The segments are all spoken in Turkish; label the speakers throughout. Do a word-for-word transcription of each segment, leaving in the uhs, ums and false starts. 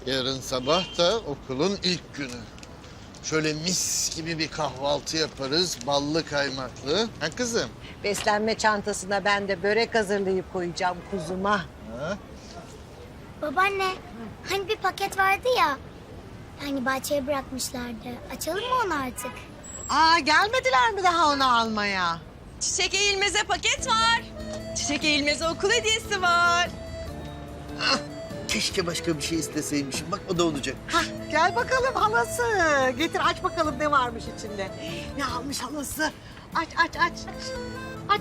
Speaker 1: Yarın sabah da okulun ilk günü. Şöyle mis gibi bir kahvaltı yaparız, ballı kaymaklı. Ha kızım?
Speaker 2: Beslenme çantasına ben de börek hazırlayıp koyacağım kuzuma.
Speaker 1: Ha?
Speaker 3: Babaanne, hani bir paket vardı ya. Hani bahçeye bırakmışlardı. Açalım mı onu artık?
Speaker 2: Aa, gelmediler mi daha onu almaya?
Speaker 4: Çiçek Eğilmez'e paket var. Çiçek Eğilmez'e okul hediyesi var.
Speaker 5: Keşke başka bir şey isteseymişim. Bak o da olacak.
Speaker 2: Hah, gel bakalım halası. Getir aç bakalım ne varmış içinde. Ne almış halası? Aç aç aç. Aç.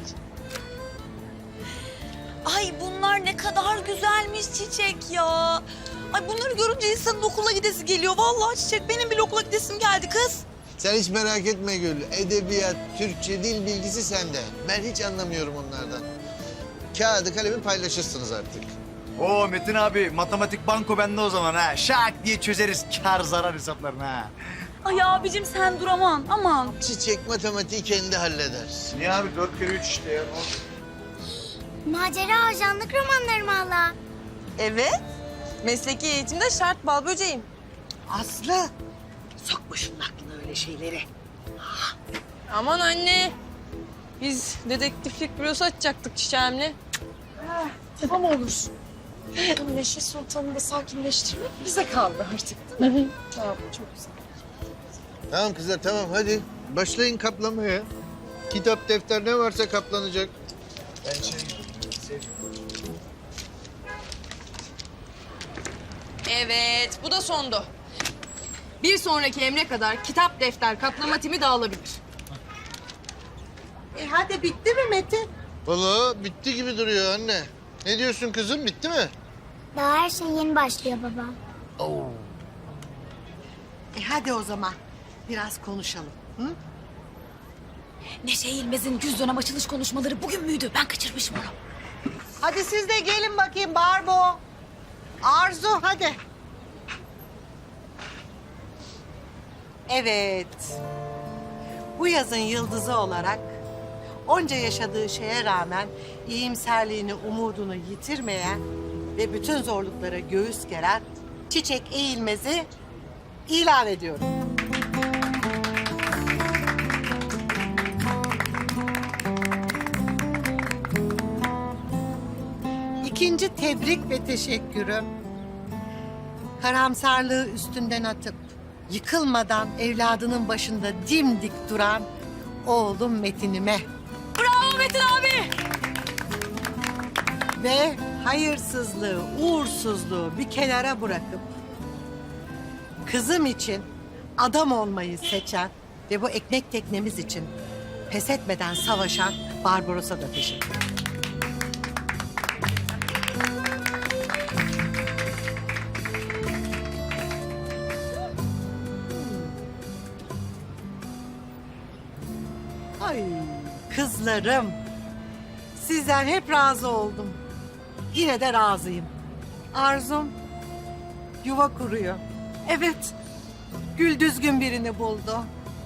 Speaker 4: Ay bunlar ne kadar güzelmiş Çiçek ya. Ay bunları görünce insanın okula gidesi geliyor. Vallahi Çiçek benim bile okula gidesim geldi kız.
Speaker 1: Sen hiç merak etme Gül. Edebiyat, Türkçe, dil bilgisi sende. Ben hiç anlamıyorum onlardan. Kağıdı kalemi paylaşırsınız artık.
Speaker 6: Oo Metin abi, matematik banko bende o zaman ha. Şak diye çözeriz kar zarar hesaplarını ha.
Speaker 4: Ay abicim sen dur aman aman.
Speaker 1: Çiçek matematiği kendi halleder.
Speaker 6: Niye abi? Dört kere üç işte ya.
Speaker 3: Macera ajanlık romanları mı hala?
Speaker 4: Evet. Mesleki eğitimde şart bal böceğim.
Speaker 2: Aslı. Sokma şunun aklına öyle şeyleri.
Speaker 7: Aman anne. Biz dedektiflik bürosu açacaktık çiçeğimle.
Speaker 8: Tamam olur. Neşe Sultan'ı da sakinleştirmek bize kaldı artık değil mi? Tamam, çok güzel.
Speaker 1: Tamam kızlar tamam hadi. Başlayın kaplamaya. Kitap, defter ne varsa kaplanacak.
Speaker 6: Ben şey
Speaker 7: Evet, bu da sondu. Bir sonraki emre kadar kitap, defter, kaplama timi dağılabilir.
Speaker 2: E hadi bitti mi Metin?
Speaker 1: Vallahi bitti gibi duruyor anne. Ne diyorsun kızım bitti mi?
Speaker 3: Daha her şey yeni başlıyor baba.
Speaker 2: E hadi o zaman biraz konuşalım. Hı?
Speaker 4: Neşe Eğilmez'in yüz dönem açılış konuşmaları bugün müydü? Ben kaçırmışım onu.
Speaker 2: Hadi siz de gelin bakayım Barbo. Arzu hadi. Evet. Bu yazın yıldızı olarak onca yaşadığı şeye rağmen iyimserliğini, umudunu yitirmeyen ve bütün zorluklara göğüs geren Çiçek Eğilmez'i ilan ediyorum. İkinci tebrik ve teşekkürüm. Karamsarlığı üstünden atıp yıkılmadan evladının başında dimdik duran oğlum Metin'ime.
Speaker 4: Bravo Metin abi.
Speaker 2: Ve hayırsızlığı, uğursuzluğu bir kenara bırakıp kızım için adam olmayı seçen ve bu ekmek teknemiz için pes etmeden savaşan Barbaros'a da teşekkür ederim. Ay kızlarım. Sizden hep razı oldum. Yine de razıyım. Arzum yuva kuruyor. Evet. Gül düzgün birini buldu.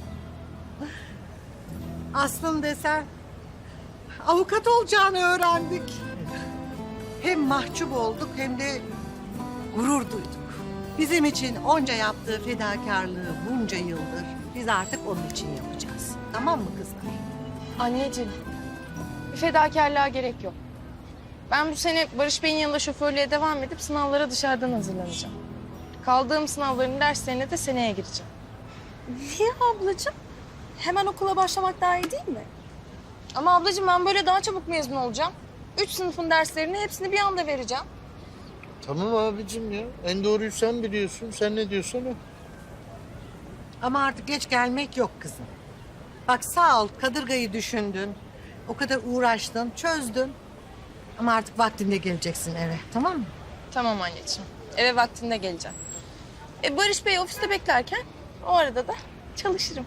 Speaker 2: Aslım desen avukat olacağını öğrendik. Hem mahcup olduk hem de gurur duyduk. Bizim için onca yaptığı fedakarlığı bunca yıldır biz artık onun için yapacağız. Tamam mı kızlar?
Speaker 7: Anneciğim, bir fedakarlığa gerek yok. Ben bu sene Barış Bey'in yanında şoförlüğe devam edip sınavlara dışarıdan hazırlanacağım. Kaldığım sınavların derslerine de seneye gireceğim.
Speaker 8: Niye ablacığım? Hemen okula başlamak daha iyi değil mi?
Speaker 7: Ama ablacığım ben böyle daha çabuk mezun olacağım. Üç sınıfın derslerini hepsini bir anda vereceğim.
Speaker 1: Tamam abicim ya. En doğruyu sen biliyorsun. Sen ne diyorsan o. Ama artık geç gelmek yok kızım. Bak sağ ol kadırgayı düşündün. O kadar uğraştın, çözdün. Ama artık vaktinde geleceksin eve, tamam mı?
Speaker 7: Tamam anneciğim. Eve vaktinde geleceğim. E Barış Bey ofiste beklerken o arada da çalışırım.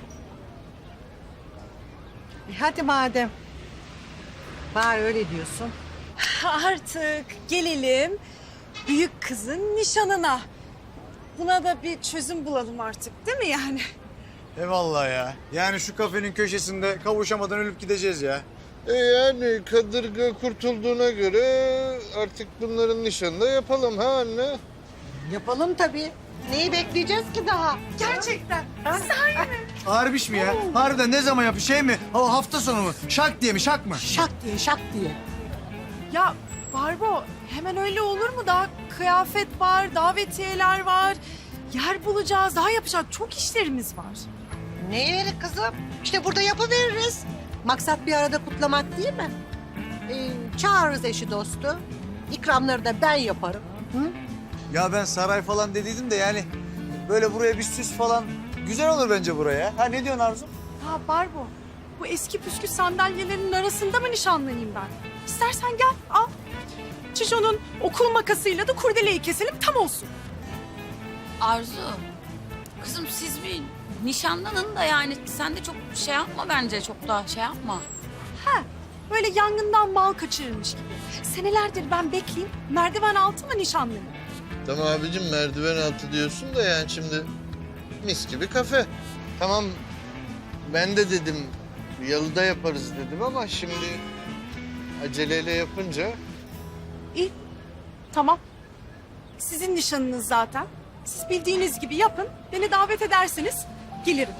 Speaker 2: E hadi madem. Bari öyle diyorsun.
Speaker 8: Artık gelelim büyük kızın nişanına. Buna da bir çözüm bulalım artık değil mi yani?
Speaker 6: Eyvallah ya. Yani şu kafenin köşesinde kavuşamadan ölüp gideceğiz ya.
Speaker 1: E yani kadırga kurtulduğuna göre artık bunların nişanını da yapalım ha anne?
Speaker 2: Yapalım tabii. Neyi bekleyeceğiz ki daha?
Speaker 8: Gerçekten.
Speaker 6: Harbiş mi ya? Harbiden ne zaman yapıyor? Şey mi? Ha, hafta sonu mu? Şak diye mi? Şak mı?
Speaker 2: Şak diye şak diye.
Speaker 8: Ya Barbo hemen öyle olur mu? Daha kıyafet var, davetiyeler var. Yer bulacağız, daha yapacak çok işlerimiz var.
Speaker 2: Ne yeri kızım? İşte burada yapıveririz. Maksat bir arada kutlamak değil mi? Ee, çağırırız eşi dostu. İkramları da ben yaparım. Hı?
Speaker 6: Ya ben saray falan dediydim de yani böyle buraya bir süs falan güzel olur bence buraya. Ha ne diyorsun Arzu?
Speaker 8: Ha Barbo, bu eski püskü sandalyelerin arasında mı nişanlanayım ben? İstersen gel, al. Çişo'nun okul makasıyla da kurdeleyi keselim, tam olsun.
Speaker 4: Arzu, kızım siz bir nişanlanın da yani sen de çok şey yapma bence, çok da şey yapma.
Speaker 8: Ha, böyle yangından mal kaçırılmış gibi. Senelerdir ben bekleyeyim, merdiven altı mı nişanlanayım?
Speaker 5: Tamam abicim merdiven altı diyorsun da yani şimdi mis gibi kafe. Tamam ben de dedim yalıda yaparız dedim ama şimdi aceleyle yapınca
Speaker 8: İyi, tamam. Sizin nişanınız zaten. Siz bildiğiniz gibi yapın, beni davet ederseniz gelirim.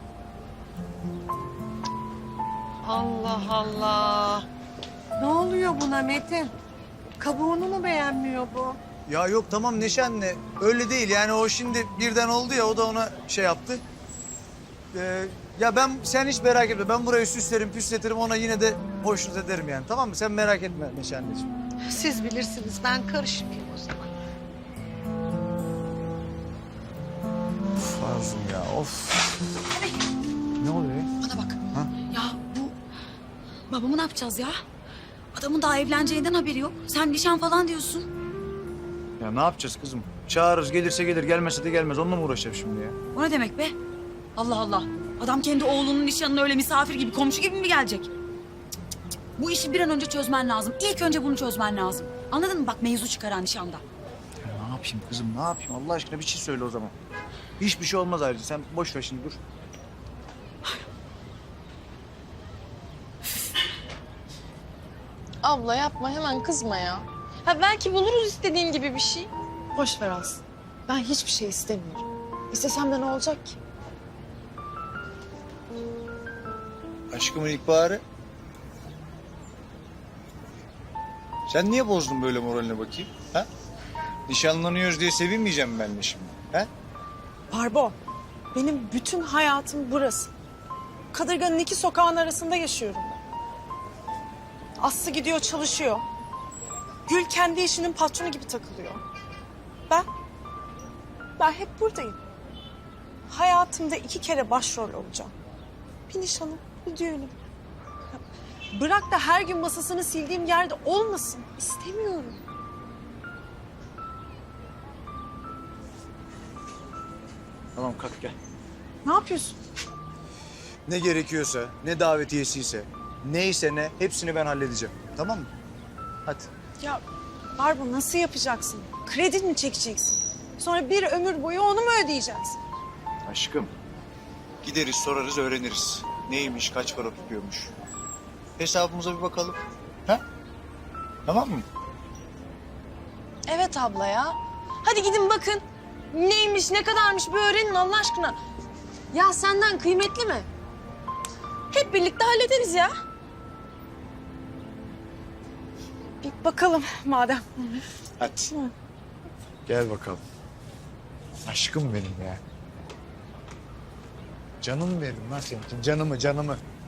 Speaker 2: Allah Allah. Ne oluyor buna Metin? Kabuğunu mu beğenmiyor bu?
Speaker 6: Ya yok tamam Neşe anne öyle değil yani o şimdi birden oldu ya o da ona şey yaptı. Ee, ya ben sen hiç merak etme ben burayı süslerim püsletirim ona yine de hoşnut ederim yani tamam mı? Sen merak etme Neşe anneciğim.
Speaker 2: Siz bilirsiniz, ben karışmayayım o zaman.
Speaker 6: Of Arzum ya of. Ne oluyor ya?
Speaker 4: Bana bak.
Speaker 6: Ha?
Speaker 4: Ya bu babamı ne yapacağız ya? Adamın daha evleneceğinden haberi yok. Sen nişan falan diyorsun.
Speaker 6: Ya ne yapacağız kızım? Çağırırız gelirse gelir gelmezse de gelmez onunla mı uğraşacağım şimdi ya?
Speaker 4: O ne demek be? Allah Allah. Adam kendi oğlunun nişanına öyle misafir gibi, komşu gibi mi gelecek? Cık, cık, cık. Bu işi bir an önce çözmen lazım. İlk önce bunu çözmen lazım. Anladın mı? Bak mevzu çıkaran nişanda.
Speaker 6: Ya ne yapayım kızım ne yapayım Allah aşkına bir şey söyle o zaman. Hiçbir şey olmaz ayrıca sen boş ver şimdi dur.
Speaker 7: Abla yapma hemen kızma ya. Ha belki buluruz istediğin gibi bir şey. Boş ver Aslı. Ben hiçbir şey istemiyorum. İstesem de ne olacak ki?
Speaker 6: Aşkımın ilkbaharı. Sen niye bozdun böyle moraline bakayım? Ha? Nişanlanıyoruz diye sevinmeyeceğim ben de şimdi. Ha?
Speaker 8: Barbo, benim bütün hayatım burası. Kadırganın iki sokağın arasında yaşıyorum ben. Aslı gidiyor çalışıyor. Gül kendi işinin patronu gibi takılıyor. Ben, ben hep buradayım. Hayatımda iki kere başrol olacağım. Bir nişanım, bir düğünüm. Bırak da her gün masasını sildiğim yerde olmasın. İstemiyorum.
Speaker 6: Tamam kalk gel.
Speaker 8: Ne yapıyorsun?
Speaker 6: Ne gerekiyorsa, ne davetiyesiyse, neyse ne hepsini ben halledeceğim. Tamam mı? Hadi.
Speaker 8: Ya Barbu nasıl yapacaksın? Kredi mi çekeceksin? Sonra bir ömür boyu onu mu ödeyeceğiz?
Speaker 6: Aşkım. Gideriz sorarız öğreniriz. Neymiş kaç para tutuyormuş. Hesabımıza bir bakalım. Ha? Tamam mı?
Speaker 7: Evet abla ya. Hadi gidin bakın. Neymiş, ne kadarmış bir öğrenin Allah aşkına. Ya senden kıymetli mi? Hep birlikte hallederiz ya.
Speaker 8: Bir bakalım madem.
Speaker 6: Hadi. Gel bakalım. Aşkım benim ya. Canım benim lan senin için. Canımı canımı.